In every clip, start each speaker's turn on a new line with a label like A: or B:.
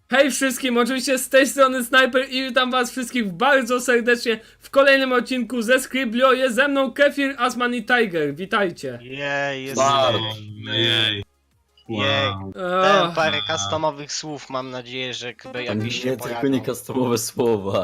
A: Hej wszystkim, oczywiście z tej strony Sniper i witam was wszystkich bardzo serdecznie w kolejnym odcinku ze Scriblio. Jest ze mną Kefir, Asman i Tiger, witajcie.
B: Jej,
C: Bardzo.
B: jesteśmy.
C: Jej.
B: Jej.
C: Wow.
B: Dałem parę customowych słów, mam nadzieję, że jakieś się
C: Nie,
B: pojawią.
C: tylko nie customowe słowa.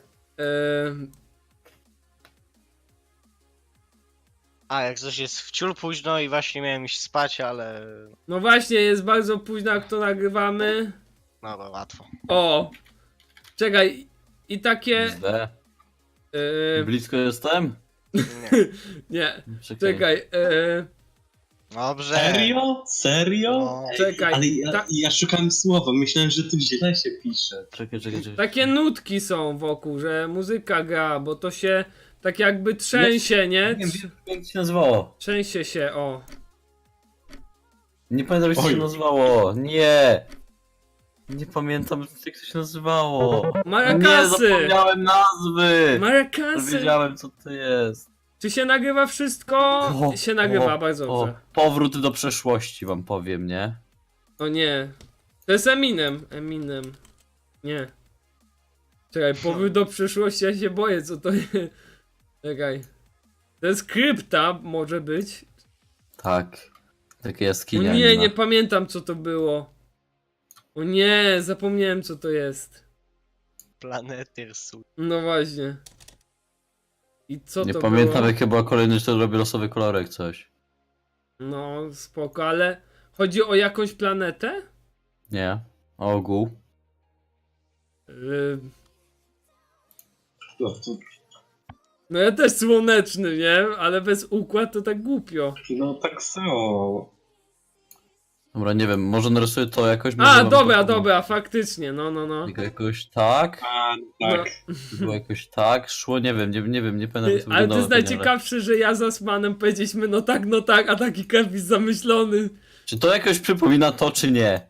B: A, jak coś jest wciul późno i właśnie miałem iść spać, ale...
A: No właśnie, jest bardzo późno jak to nagrywamy.
B: No to łatwo.
A: O! Czekaj, i takie...
C: Źle.
A: Yy,
C: Blisko jestem?
B: Nie.
A: nie, czekaj,
B: Dobrze.
D: Serio? Serio?
B: No.
A: czekaj.
D: Ale ja szukałem słowa, myślałem, że tu źle się pisze.
C: Czekaj.
A: Takie nutki są wokół, że muzyka gra, bo to się tak jakby trzęsie, nie?
C: Nie wiem, jak się nazywało.
A: Trzęsie się, o.
C: Nie pamiętam, jak to się
D: Oj.
C: nazywało. Nie. Nie pamiętam, jak to się nazywało. Nie,
A: Marakasy!
C: zapomniałem nazwy.
A: Marakasy!
C: Wiedziałem, co to jest.
A: Czy się nagrywa wszystko? Się nagrywa, bardzo dobrze.
C: Powrót do przeszłości wam powiem, nie?
A: O nie. To jest Eminem. Eminem. Nie. Czekaj, powrót do przyszłości, ja się boję, co to jest. Czekaj. To jest krypta, może być.
C: Tak. Takie
A: O
C: jaskinia.
A: nie, nie pamiętam, co to było. O nie, zapomniałem, co to jest.
B: Planetyr su.
A: No właśnie. I co
C: Nie
A: to
C: pamiętam,
A: było?
C: jakie była kolejność, to robię losowy kolorek coś.
A: No, spoko, ale chodzi o jakąś planetę?
C: Nie. Ogół.
D: No, to,
A: No ja też słoneczny, nie? Ale bez układ to tak głupio.
D: no tak samo.
C: Dobra, nie wiem, może narysuję to jakoś. może
A: A,
C: wam
A: dobra,
C: to-
A: dobra, faktycznie, no.
C: Jakoś tak.
D: A, tak.
C: Było jakoś tak, szło, nie wiem, nie pamiętam jak to
A: Ale to
C: wyglądało.
A: jest najciekawsze, że ja z Asmanem powiedzieliśmy no tak, a taki Kefis zamyślony.
C: Czy to jakoś przypomina to, czy nie?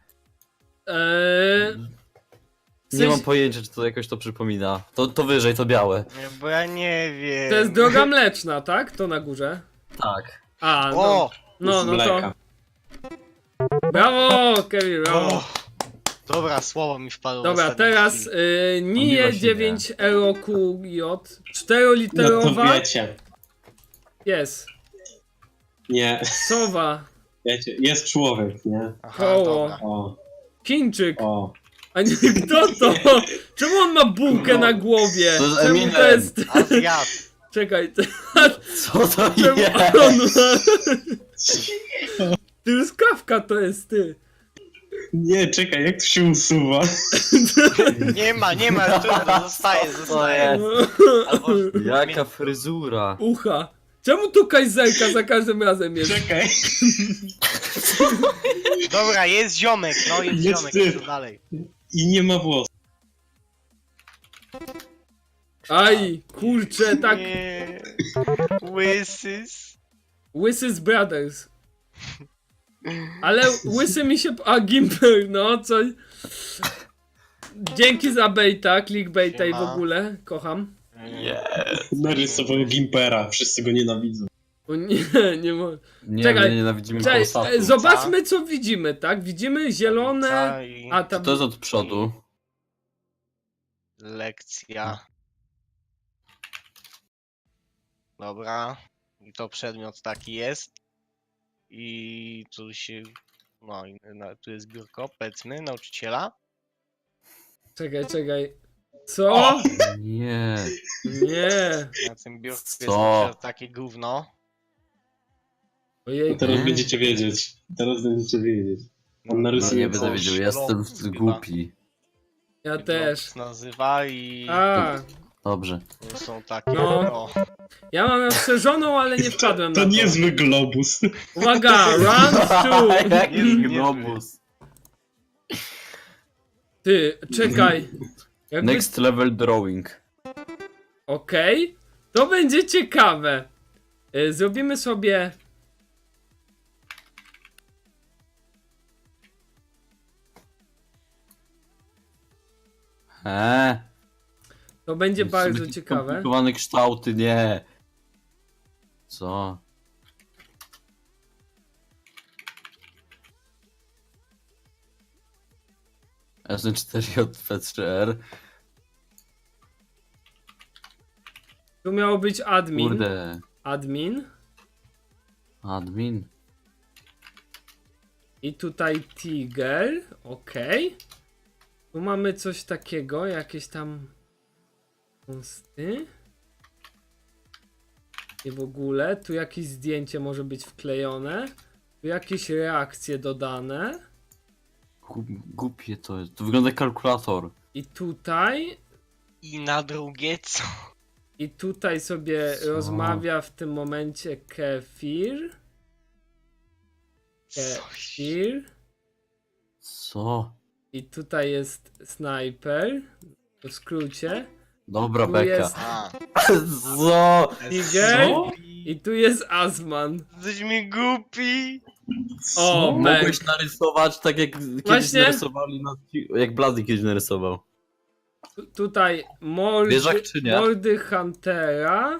A: W
C: Nie mam
A: sensie-
C: pojęcia, czy to jakoś to przypomina. To wyżej, to białe.
B: Nie, bo ja nie wiem.
A: To jest droga mleczna, tak? To na górze.
C: Tak.
A: A, no.
B: O!
A: No
D: Z
A: to.
D: mleka.
A: Brawo, Kevin, brawo.
B: O! Dobra, słowo mi wpadło. w
A: Dobra,
B: ostatniej
A: teraz
B: chwili.
A: NIE
C: właśnie
A: 9 EUROQJ.
D: No to
A: 4-literowa.
D: wiecie.
A: Jest.
D: Nie,
A: Sowa.
D: wiecie, jest człowiek, nie?
B: Aha,
A: koło.
B: dobra.
D: O,
A: Chińczyk.
D: o.
A: A nie, kto to? Czemu on ma bułkę na głowie?
C: To jest
A: Czemu
C: Eminem.
A: to jest...
B: Azjat.
A: Czekaj,
C: Co to
A: czemu
C: jest?
A: on ma... Truskawka to jest ty.
D: Nie, czekaj, jak to się usuwa?
B: Nie ma, trudno, zostaje. Albo...
C: Jaka fryzura.
A: Ucha. Czemu tu kajzerka za każdym razem jest?
D: Czekaj.
B: Dobra, jest ziomek, no jest
D: Jest
B: ziomek,
D: ty.
B: co dalej?
D: I nie ma włosów.
A: Aj, kurczę, tak.
B: Nie. Łysys.
A: Łysy z Brothers. Ale łysy mi się... A, Gimper, no, coś... Dzięki za baita, clickbaita i w
B: Siema.
A: ogóle. Kocham.
D: Narysował Gimpera, wszyscy go nienawidzą.
A: O nie, nie mogę.
C: Nie,
A: Czekaj,
C: my nienawidzimy
A: Cześć,
C: Polsatu.
A: zobaczmy co widzimy, tak? Widzimy zielone... A, tam...
C: To jest od przodu.
B: Lekcja. Dobra. I to przedmiot taki jest. I tu się... No, tu jest biurko, powiedzmy, nauczyciela.
A: Czekaj. Co?
C: Nie.
A: Nie.
B: Na tym biurku jest
C: Co?
B: na przykład takie gówno.
A: Ojej.
D: Teraz będziecie wiedzieć. Teraz będziecie wiedzieć. On
C: No
D: narysuje
C: nie będę
D: coś.
C: wiedział, jestem
B: Chyba.
C: głupi.
A: Ja
B: Blok
A: też.
B: się nazywa i
A: A,
C: Dobrze.
B: tu są takie...
A: No.
B: O,
A: ja mam rozszerzoną, ale nie wpadłem
D: To
A: na to.
D: niezły globus.
A: Uwaga, round two.
C: Jaki
B: Nie-
C: globus.
A: Ty, czekaj. Jakby...
C: Next level drawing.
A: Okej. To będzie ciekawe. Zrobimy sobie... To będzie bardzo
C: Takie
A: ciekawe.
C: Skomplikowane kształty, nie. Co? SN4JP3R.
A: Tu miało być admin.
C: Kurde.
A: Admin.
C: Admin.
A: I tutaj Tiger. Okej. Tu mamy coś takiego, jakieś tam posty. I w ogóle. Tu jakieś zdjęcie może być wklejone. Tu jakieś reakcje dodane.
C: Głupie to jest. To wygląda jak kalkulator.
A: I tutaj.
B: I na drugie co?
A: I tutaj sobie
C: Co?
A: rozmawia w tym momencie Kefir.
B: Coś.
A: Kefir.
C: Co?
A: I tutaj jest Sniper. W skrócie.
C: Dobra,
A: Tu
C: beka.
A: jest-
B: A.
C: Co?
A: Tiger.
D: Co?
A: I tu jest Asman.
B: Jesteś mi głupi.
A: O,
C: Mogłeś
A: Meg.
C: narysować tak jak kiedyś
A: Właśnie.
C: narysowali jak Blady kiedyś narysował.
A: Tutaj
C: Wieżak czy nie?
A: mordy Huntera.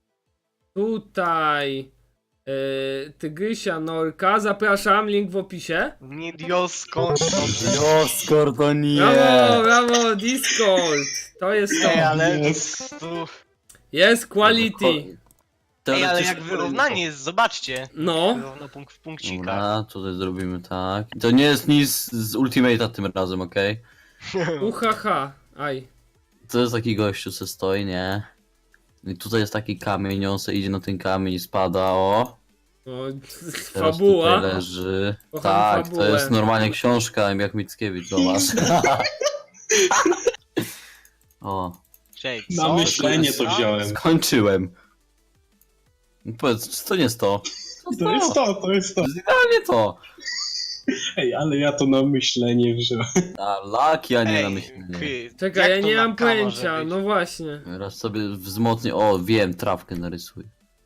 A: Tutaj Tygrysia Norka. Zapraszam, link w opisie.
B: Nie Diosko.
C: Joskor to nie!
A: Brawo, brawo, Discord. To jest to.
B: Ej, ale
D: Jest.
B: tu...
A: Jest quality.
B: Ej, ale
C: Teoretycznie
B: jak wyrównanie jest, zobaczcie.
A: No.
B: Równo punkt w punkcikach.
C: Dobra, tutaj zrobimy tak. To nie jest nic z Ultimate'a tym razem, okej?
A: Uhaha. Aj.
C: To jest taki gościu, co stoi, nie? I tutaj jest taki kamień, on se idzie na ten kamień i spada, o.
A: O,
C: Teraz
A: fabuła.
C: tutaj leży.
A: Kocham
C: Tak,
A: fabułę.
C: to jest normalnie książka, jak Mickiewicz, zobacz. O,
B: Cześć,
D: Na
B: co?
D: myślenie to wziąłem.
C: skończyłem. No powiedz, czy to nie jest to?
D: To jest to, to jest to.
C: To jest idealnie to.
D: Ej, ale ja to na myślenie wziąłem.
C: A laki, a nie
B: Ej,
C: na myślenie.
A: Czekaj,
B: jak
A: ja
B: to
A: nie
B: na
A: mam
B: K może
A: pojęcia.
B: być?
A: No właśnie.
C: Raz sobie wzmocnię, o wiem, trawkę narysuj.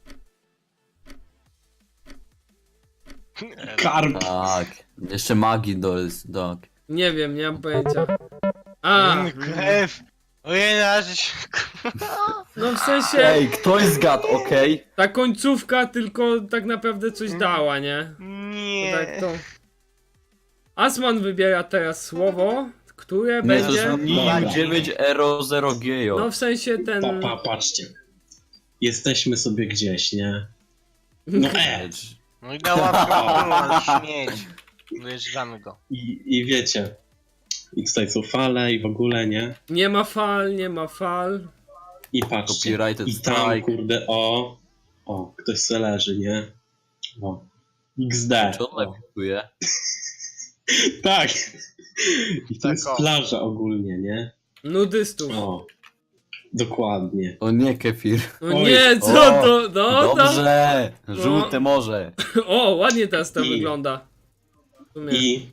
D: Karp.
C: Tak, jeszcze magii do...
A: Nie wiem, nie mam pojęcia. A,
B: Krew. Ojej, aż...
A: no w sensie
C: Ej, ktoś zgadł, okej?
A: ta końcówka tylko tak naprawdę coś dała, nie? To
B: Nie.
A: tak to. Asman wybiera teraz słowo, które
C: Nie, to
A: będzie.
C: jest
D: Dobra.
C: 9 Ero 0 Gejo.
A: No w sensie ten.
D: Patrzcie. Jesteśmy sobie gdzieś, nie? No
B: No i dała śmieć. Dojeżdżamy go.
D: I wiecie. I tutaj są fale i w ogóle, nie?
A: Nie ma fal, nie ma fal.
D: I patrzcie.
C: Copyrighted
D: I tam,
C: strike.
D: kurde, o, ktoś se leży, nie? O. XD.
C: Czy on napisuje?
D: Tak. I to jest
B: Tak, o.
D: plaża ogólnie, nie?
A: Nudystów.
D: O. Dokładnie.
C: O nie, kefir.
A: No
D: Oj.
A: nie, co
C: O,
A: to? No to.
C: Dobrze! Żółte morze.
A: O, ładnie teraz to
D: I-
A: wygląda. W sumie.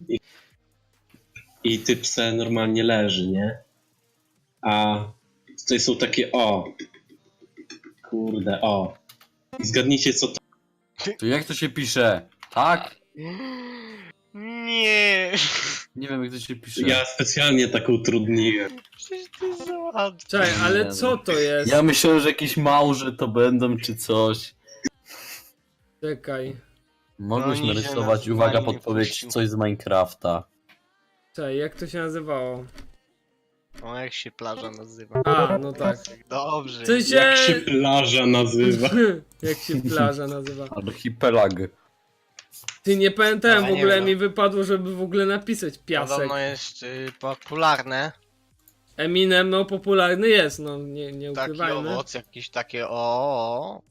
D: I typ se normalnie leży, nie? A tutaj są takie kurde, I zgadnijcie co to.
C: To jak to się pisze? Tak?
B: Nie.
C: Nie wiem jak to się pisze.
D: Ja specjalnie tak utrudniłem.
B: Przecież to jest za łatwe.
A: Czekaj,
C: Nie,
A: ale
C: no.
A: co to jest?
C: Ja myślałem, że jakieś małże to będą czy coś.
A: Czekaj.
C: Mogłeś
B: No, nie się
C: narysować,
B: nas
C: uwaga,
B: normalnie
C: podpowiedź,
B: puścił.
C: coś z Minecrafta.
A: Czekaj, jak to się nazywało?
B: O, jak się plaża nazywa?
A: A, no tak.
B: Dobrze.
A: W sensie.
D: Jak się plaża nazywa.
A: Jak się plaża nazywa.
C: Archipelag.
A: Ty, nie pamiętałem,
B: Ale
A: w
B: nie
A: ogóle
B: wiem.
A: mi wypadło, żeby w ogóle napisać piasek.
B: Podobno jest popularne.
A: Eminem, no popularny jest, no nie
B: Taki
A: ukrywajmy.
B: owoc, jakieś takie o.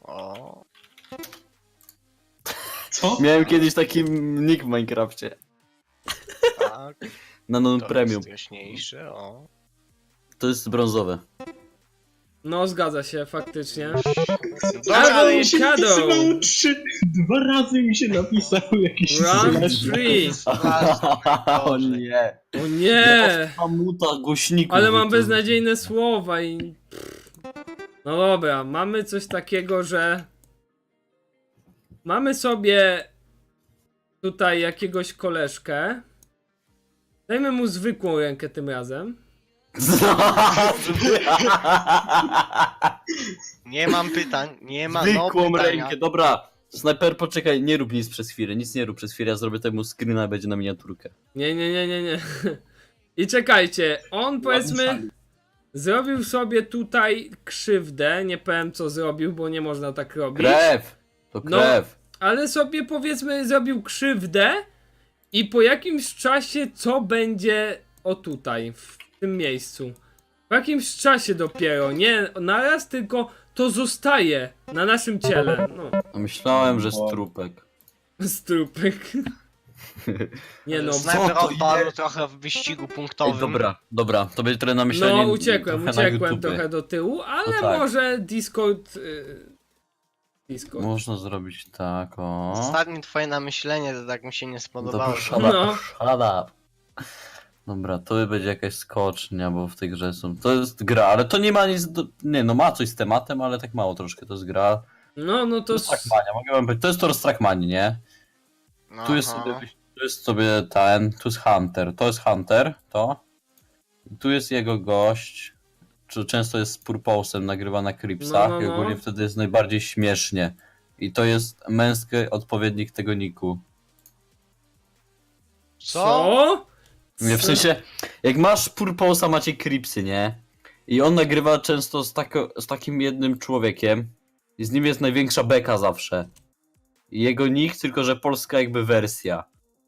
D: Co?
C: Miałem kiedyś taki nick w Minecrafcie.
B: Tak.
C: Na non
B: To
C: premium.
B: jest jaśniejsze, o.
C: To jest brązowe.
A: No zgadza się, faktycznie.
B: Dobra,
A: Ale
B: ale
A: już-
B: jeszcze
A: Shadow.
D: napisało 2 razy mi się napisało jakieś
A: Round
D: zleżne.
A: 3.
C: O nie.
A: O nie!
C: Mamuta głośników.
A: Ale mam
C: to-
A: beznadziejne słowa i... No dobra, mamy coś takiego, że... Mamy sobie tutaj jakiegoś koleżkę. Dajmy mu zwykłą rękę tym razem.
B: nie mam pytań, nie ma
C: Zwykłą
B: no pytania.
C: rękę, dobra. Snajper, poczekaj, nie rób nic przez chwilę, nic nie rób przez chwilę, ja zrobię temu screena, będzie na miniaturkę.
A: Nie. I czekajcie, on powiedzmy
D: Ładny
A: zrobił sobie tutaj krzywdę, nie powiem co zrobił, bo nie można tak robić.
C: Krew! To
A: No.
C: krew.
A: Ale sobie powiedzmy zrobił krzywdę i po jakimś czasie co będzie o tutaj, w tym miejscu. Po jakimś czasie dopiero, nie naraz, tylko to zostaje na naszym ciele. No,
C: Myślałem, że strupek.
A: strupek. Nie no,
B: Snajper
C: co to
B: odpadł
C: ile?
B: trochę w wyścigu
C: Ej,
B: punktowym.
C: dobra, to będzie trochę na myślenie.
A: no uciekłem
C: trochę na
A: uciekłem
C: YouTube.
A: trochę do tyłu, ale
C: No tak.
A: może Discord... Discord.
C: Można zrobić tak, o.
B: Ostatnie twoje namyślenie to tak mi się nie spodobało.
C: Dobra, shut
A: No.
C: up, shut up. Dobra, to będzie jakaś skocznia, bo w tej grze są... To jest gra, ale to nie ma nic do... Nie, no ma coś z tematem, ale tak mało troszkę, to jest gra.
A: No
C: To
A: to...
C: jest Trackmania, mogę wam powiedzieć, to jest to z Trackmanii, nie? Tu jest
B: Aha.
C: sobie, tu jest sobie ten, tu jest Hunter, to jest Hunter, to. Tu jest jego gość, czy często jest z Purposem, nagrywa na Cripsach
A: No.
C: i ogólnie wtedy jest najbardziej śmiesznie. I to jest męski odpowiednik tego niku.
B: Co?
C: Nie, w sensie, jak masz Purposa, macie Cripsy, nie? I on nagrywa często z takim jednym człowiekiem i z nim jest największa beka zawsze. I jego nick, tylko że polska jakby wersja.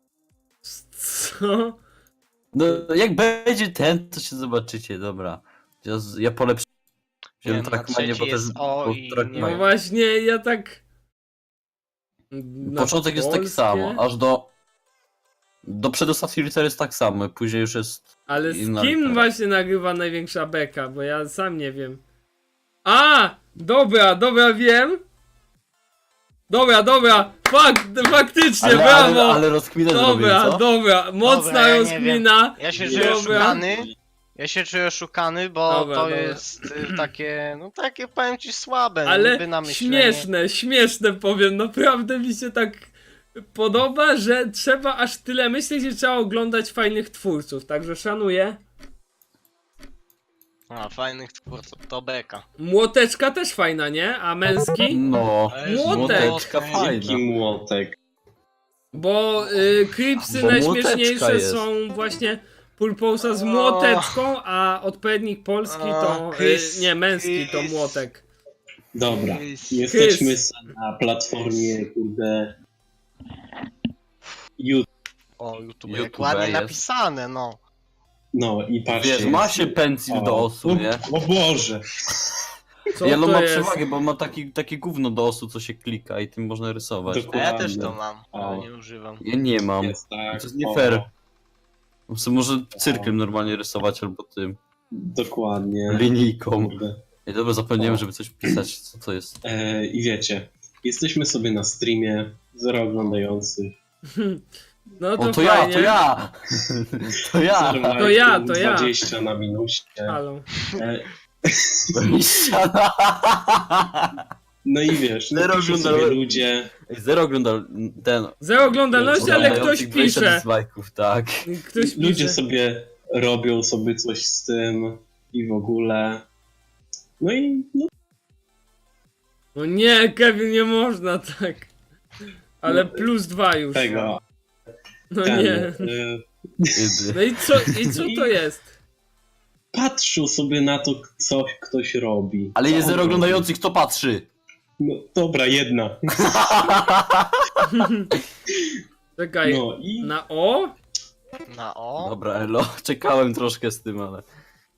A: Co?
C: No, jak będzie ten, to się zobaczycie, dobra. Ja polepszę.
B: Nie,
C: Wziąłem
B: na
C: Trackmanię,
B: trzeci
C: bo też...
B: jest O
C: bo
B: i
C: Trackmania-
A: No
B: nie.
A: właśnie, ja tak... Na
C: Początek jest tak
A: polskie?
C: samo, aż do przedostatniej litery jest tak samo, później już jest...
A: Ale
C: inna
A: z kim
C: litera.
A: właśnie nagrywa największa beka? Bo ja sam nie wiem. A! Dobra, wiem. Dobra, faktycznie, brawo!
C: Ale rozkminę zrobił, co?
A: Dobra, mocna
B: Dobra, ja nie
A: rozkmina.
B: Ja się
D: Nie,
B: czuję
A: dobra.
B: oszukany. Ja się czuję oszukany, bo
A: Dobra,
B: to
A: dobra.
B: jest takie, no takie powiem ci słabe, no,
A: Ale
B: niby na myślenie.
A: śmieszne powiem, naprawdę mi się tak podoba, że trzeba aż tyle myśleć, że trzeba oglądać fajnych twórców, także szanuję.
B: A, fajnych twórców, to beka.
A: Młoteczka też fajna, nie? A męski?
C: No,
A: Młotek.
C: młoteczka fajna.
D: Jaki młotek.
A: Bo Cripsy
C: Bo
A: najśmieszniejsze
C: młoteczka jest.
A: są właśnie Purposa z młoteczką, a odpowiednik polski to...
B: Chris,
A: nie, męski to
B: Chris.
A: młotek.
D: Dobra,
B: Chris.
D: jesteśmy na platformie, kurde... YouTube.
B: O, YouTube,
C: YouTube
B: jak ładnie
C: jest.
B: napisane, no.
D: No i patrzcie.
C: Wiesz, ma się pencil do osu, nie?
D: O Boże.
A: Co
C: Yellow
A: to
C: ma
A: jest?
C: przewagę, bo ma takie gówno do osu, co się klika i tym można rysować.
B: A
D: Dokładnie.
B: ja też to mam, ale
D: O.
B: nie używam.
C: Ja nie mam.
D: Jest tak.
C: To jest nie
D: o,
C: fair. Może cyrklem normalnie rysować albo tym
D: Dokładnie.
C: linijką.
D: Kurde.
C: I dobra, zapomniałem,
D: O.
C: żeby coś pisać, co to jest.
D: I wiecie, jesteśmy sobie na streamie, 0 oglądających.
A: No to,
C: O, to
A: fajnie.
C: ja! To ja!
D: Zero
A: To ja,
D: lajków,
A: to ja.
D: 20 na minusie.
A: Halo.
D: E,
C: Ej,
D: no i wiesz,
C: Zero
D: no piszą sobie
C: oglądałem.
D: ludzie.
C: Zero oglądał ten...
A: Zero oglądalności, ale ktoś
C: oglądających 20
A: pisze.
C: dislike'ów, tak.
A: Ktoś
D: Ludzie
A: pisze.
D: sobie robią sobie coś z tym i w ogóle. No i no,
A: No nie, Kevin, nie można tak. Ale
D: No,
A: +2 już.
D: tego.
A: No
D: Ten,
A: nie. No i co to jest?
D: patrzą sobie na to, co ktoś robi.
C: Ale
D: Co
C: jest
D: on
C: zero
D: robi.
C: oglądających, kto patrzy?
D: No dobra, jedna.
A: Czekaj.
D: No i
A: Na O?
B: Na O?
C: Dobra, elo, czekałem troszkę z tym, ale...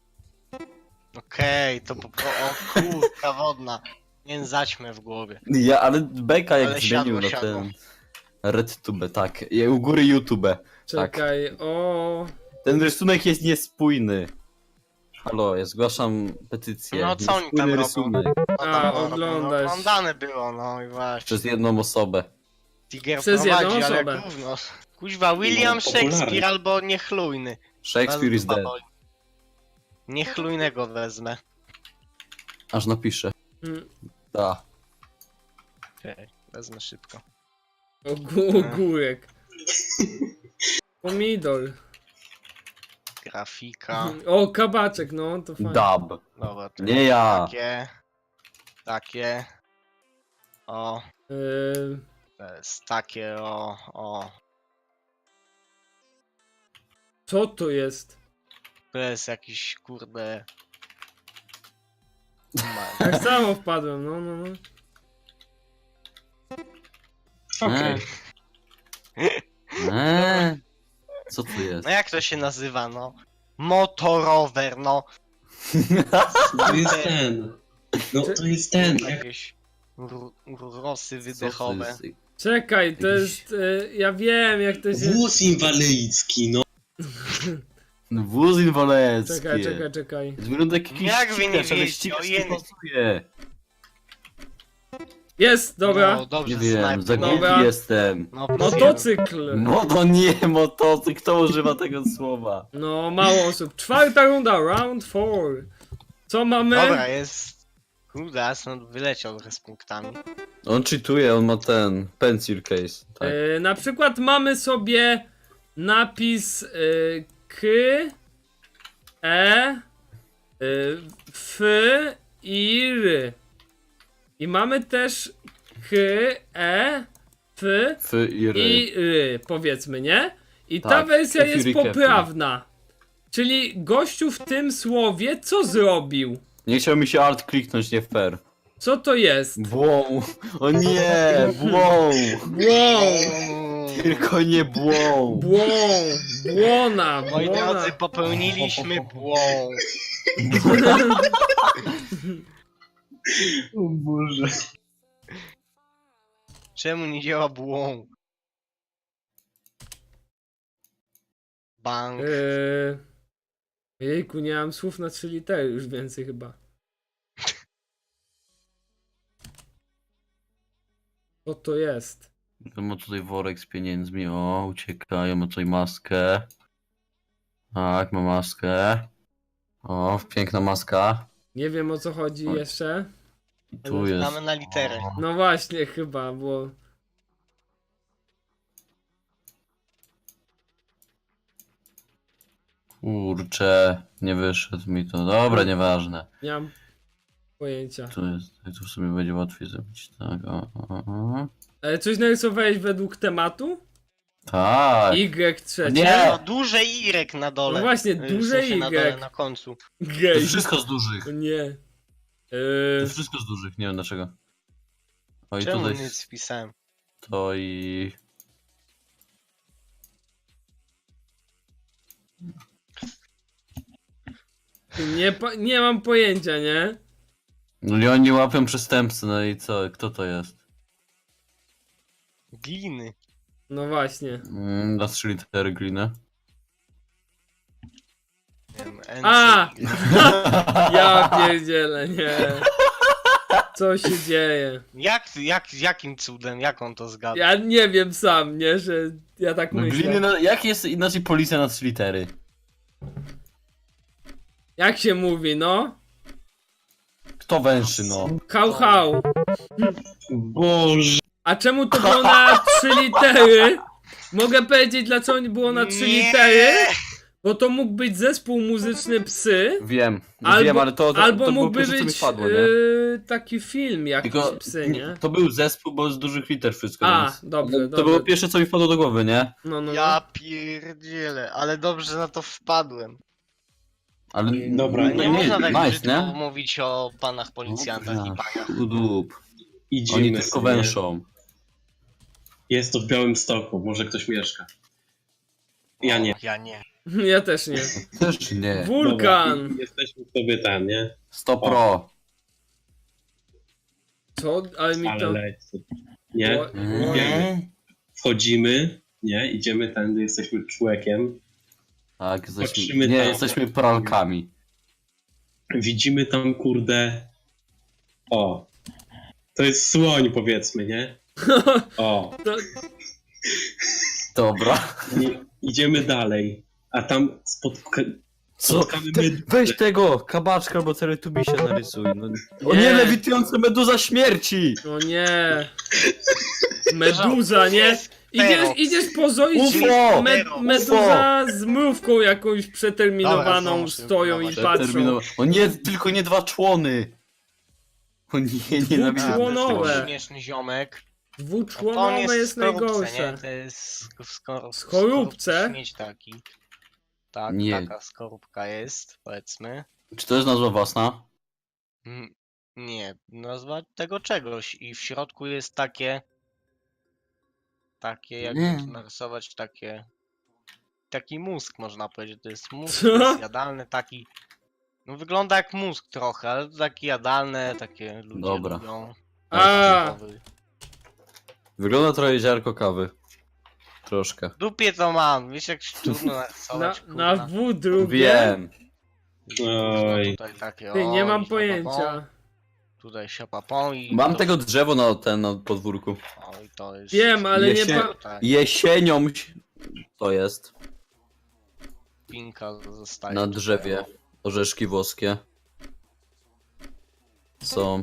B: Okej, to o kurka wodna. Nie zaćmę w głowie.
C: Ja, ale Beka jak
B: Ale
C: zmienił
B: siadło,
C: na
B: siadło.
C: ten... RedTube, tak. I u góry YouTube.
A: Czekaj, O.
C: Ten rysunek jest niespójny. Halo, ja zgłaszam petycję.
B: No, co oni
C: Niespójny
B: tam robią?
C: rysunek
A: A,
B: No,
A: oglądasz.
B: oglądane było, no i właśnie.
C: przez jedną osobę.
B: Tiger
A: Przez jedną
B: prowadzi, ale
A: osobę.
B: gówno. Kuźwa, William
D: No, popularny.
B: Shakespeare albo niechlujny.
C: Shakespeare is dead.
B: Niechlujnego wezmę.
C: Aż napiszę.
A: Mm,
C: Da.
B: Okej, wezmę szybko.
A: Ogórek. Pomidor.
B: Grafika.
A: O, kabaczek, no to fajnie.
C: Dub.
B: Dobra, to
C: Nie ja.
B: Takie. O, to jest takie, o.
A: Co to jest?
B: To jest jakiś, kurde...
A: Tak samo wpadłem, no.
D: Okej.
C: Co tu jest?
B: No jak to się nazywa, no? Motorower, no.
D: To jest ten. No to jest ten.
B: Jakieś rosy
C: Co to
B: wydechowe.
C: jest?
A: Czekaj, to
C: Jakiś-
A: jest... ja wiem jak to się...
D: Wóz inwalidzki, no.
C: Wóz inwalencki.
A: Czekaj.
C: Wygląda jak jakiś
B: Jak wy nie
C: ścigacz, ale
B: wiecie,
C: ścigacz
B: ojej.
C: nie pasuje.
A: Jest, dobra.
B: No, dobrze,
C: Nie wiem, za
B: snajper.
A: Dobra.
C: głupi jestem.
B: No,
A: Motocykl.
C: Motocykl, kto używa tego słowa?
A: No, mało osób. 4. runda, round 4. Co mamy?
B: Dobra, jest... Kurde, Asmund wyleciał z punktami.
C: On cheatuje, on ma ten pencil case. Tak.
A: Na przykład mamy sobie napis K, E, F i R. I mamy też K, E, F
C: F i R.
A: i R, powiedzmy, nie? I ta
C: Tak,
A: wersja
C: Fury
A: jest
C: Captain.
A: poprawna. Czyli gościu w tym słowie co zrobił?
C: Nie chciał mi się alt kliknąć, nie w per.
A: Co to jest?
C: Błą. O nie, błą.
A: Błąd!
C: Tylko nie błą.
A: Błona!
B: Moi drodzy, popełniliśmy błąd.
D: O Boże.
B: Czemu nie działa błąd? Bank.
A: Jejku, nie mam słów na 3 litery już więcej chyba. Co to jest?
C: Ja ma tutaj worek z pieniędzmi, o, ucieka, ja ma tutaj maskę. Tak, ma maskę. O, piękna maska.
A: Nie wiem o co chodzi
C: Oj.
A: jeszcze.
C: I tu jest.
B: Mamy na literę.
C: O,
A: No właśnie, chyba, bo...
C: kurczę, nie wyszedł mi to. Dobra, nieważne.
A: Nie mam pojęcia.
C: Tu jest, tu w sumie będzie łatwiej zrobić, tak, o.
A: Ale coś narysowałeś według tematu?
C: Tak.
A: Y trzecie?
C: Nie!
B: No, duże Y na dole.
A: No właśnie,
B: W
A: duże
B: sensie na dole,
A: Y.
B: na końcu.
C: To
A: Gej.
C: jest wszystko z dużych.
A: O nie.
C: To jest wszystko z dużych, nie wiem dlaczego. O i
B: Czemu
C: tutaj
B: nic wpisałem?
C: to i...
A: Nie mam pojęcia, nie?
C: No i oni łapią przestępcy, no i co, kto to jest?
B: Gliny.
A: No właśnie.
C: Na 3 litery gliny.
B: Nie wiem,
A: A! Ja pierdzielę, nie. Co się dzieje?
B: Jakim cudem, jak on to zgadł?
A: Ja nie wiem sam, nie? Że ja tak
C: No
A: myślę.
C: gliny, jak jest inaczej policja na 3 litery?
A: Jak się mówi, no?
C: Kto węszy, no?
A: Hał.
D: Boże.
A: A czemu to było na 3 litery? Mogę powiedzieć, dlaczego nie było na 3 litery? Bo to mógł być zespół muzyczny Psy.
C: Wiem,
A: Albo,
C: wiem, ale to
A: albo
C: było
A: mógłby
C: pierwsze, co mi
A: być
C: wpadło, nie?
A: taki film jakiś
C: Tylko
A: Psy, nie?
C: to był zespół, bo z dużych liter wszystko.
A: A,
C: więc...
A: dobrze,
C: To
A: dobrze.
C: było pierwsze, co mi wpadło do głowy, nie?
A: No.
B: Ja pierdzielę, ale dobrze na to wpadłem.
C: Ale
D: Dobra,
B: Nie,
C: no,
B: można tak
C: nice,
B: brzydko
C: nie?
B: mówić o panach policjantach i
C: Dobra,
B: paniach.
C: Udup.
D: Idziemy
C: Oni tylko
D: sobie.
C: węszą.
D: Jest to w Białymstoku, może ktoś mieszka. Ja nie.
B: O, ja nie.
A: Ja też nie.
C: Też nie.
A: Wulkan!
D: Dobra, jesteśmy sobie tam, nie?
C: 100 pro.
A: Co? Ale mi
D: Ale
A: to...
D: leć. Nie?
A: O-
D: Wchodzimy, nie? Idziemy tędy, jesteśmy człowiekiem.
C: Tak,
D: Patrzymy
C: jesteśmy, nie,
D: tam.
C: jesteśmy pralkami.
D: Widzimy tam, kurde... O. To jest słoń, powiedzmy, nie? O.
A: to...
C: Dobra.
D: Idziemy dalej. A tam
C: Co?
D: spotkamy meduzę.
C: Weź tego, kabaczka albo teletubisia narysuj. No. O
A: Nie.
C: nie, lewitująca meduza śmierci!
A: O nie. Meduza, nie?
B: Pero.
A: Idziesz pozoić
C: UFO!
A: meduza z mrówką jakąś przeterminowaną
B: Dobra,
A: stoją i
B: co,
A: patrzą.
C: O nie, tylko nie 2 człony! O nie, nienawidzę.
A: Dwuczłonowe.
C: tego.
B: Śmieszny ziomek. To on
A: Dwuczłonowe jest
B: w skorupce,
A: najgorsze.
B: nie? To jest
A: Skorupce?
B: Śmieć taki. Tak,
C: Nie.
B: taka skorupka jest, powiedzmy.
C: Czy to jest nazwa własna?
B: Nie, nazwa tego czegoś i w środku jest takie jakby
C: Nie.
B: to narysować, taki mózg można powiedzieć, to jest mózg,
A: Co?
B: to jest jadalny taki, no wygląda jak mózg trochę, ale to taki jadalne, takie ludzie
C: Dobra.
B: lubią.
A: A.
C: Wygląda trochę ziarko kawy. Troszkę.
B: W dupie to mam, wiesz jak się trudno narysować,
A: Na
B: kurwa.
A: W drugie?
C: Wiem.
D: Oj.
B: Tutaj takie,
A: Ty, nie
B: o,
A: mam
B: i
A: pojęcia.
B: tutaj siapapą i
C: Mam
B: to,
C: tego drzewo na podwórku.
B: o, i to jest
A: Wiem, ale nie
C: Jesie-
A: pa...
B: tutaj
C: Jesienią to jest.
B: pinka zostaje
C: Na
B: tutaj,
C: drzewie.
B: o.
C: Orzeszki włoskie. Są.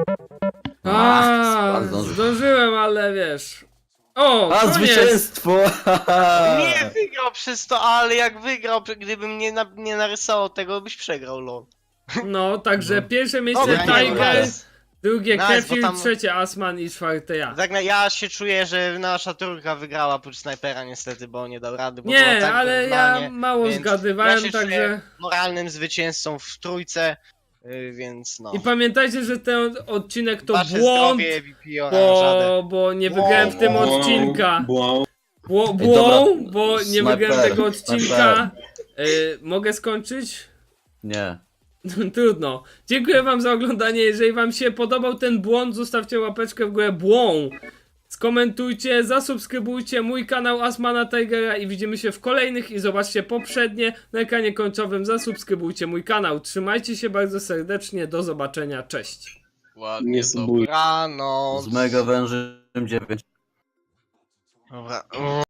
A: A,
C: zdążył.
A: zdążyłem, ale wiesz. O,
C: A,
A: koniec!
C: zwycięstwo!
B: Nie wygrał przez to, ale jak wygrał, gdybym nie narysował tego, byś przegrał, lol.
A: No, także pierwsze miejsce
B: Dobra, nie,
A: Tiger,
B: nice.
A: drugie
B: Nice,
A: Kefir,
B: bo tam-
A: trzecie Asman i czwarte ja.
B: Tak, ja się czuję, że nasza trójka wygrała oprócz snajpera niestety, bo nie dał rady, bo było
A: Nie,
B: tak
A: ale
B: normalnie.
A: ja mało
B: więc
A: zgadywałem,
B: ja się
A: także...
B: czuję moralnym zwycięzcą w trójce, więc no.
A: I pamiętajcie, że ten odcinek to
B: Wasze
A: błąd,
B: zdrowie, VP oranżadę.
A: bo nie wygrałem w tym
B: Błąd.
A: odcinka.
D: Błąd.
C: Ej, dobra,
A: Bo nie
C: snajper,
A: wygrałem tego odcinka.
C: snajper.
A: Mogę skończyć?
C: Nie.
A: Trudno. Dziękuję wam za oglądanie. Jeżeli wam się podobał ten błąd, zostawcie łapeczkę w górę. Błąd. Skomentujcie, zasubskrybujcie mój kanał Asmana Tigera i widzimy się w kolejnych i zobaczcie poprzednie na ekranie końcowym. Zasubskrybujcie mój kanał. Trzymajcie się bardzo serdecznie. Do zobaczenia. Cześć.
B: Ładnie,
D: Nie subuj.
B: dobranoc.
C: Z Mega Wężem 9.
B: Dobra.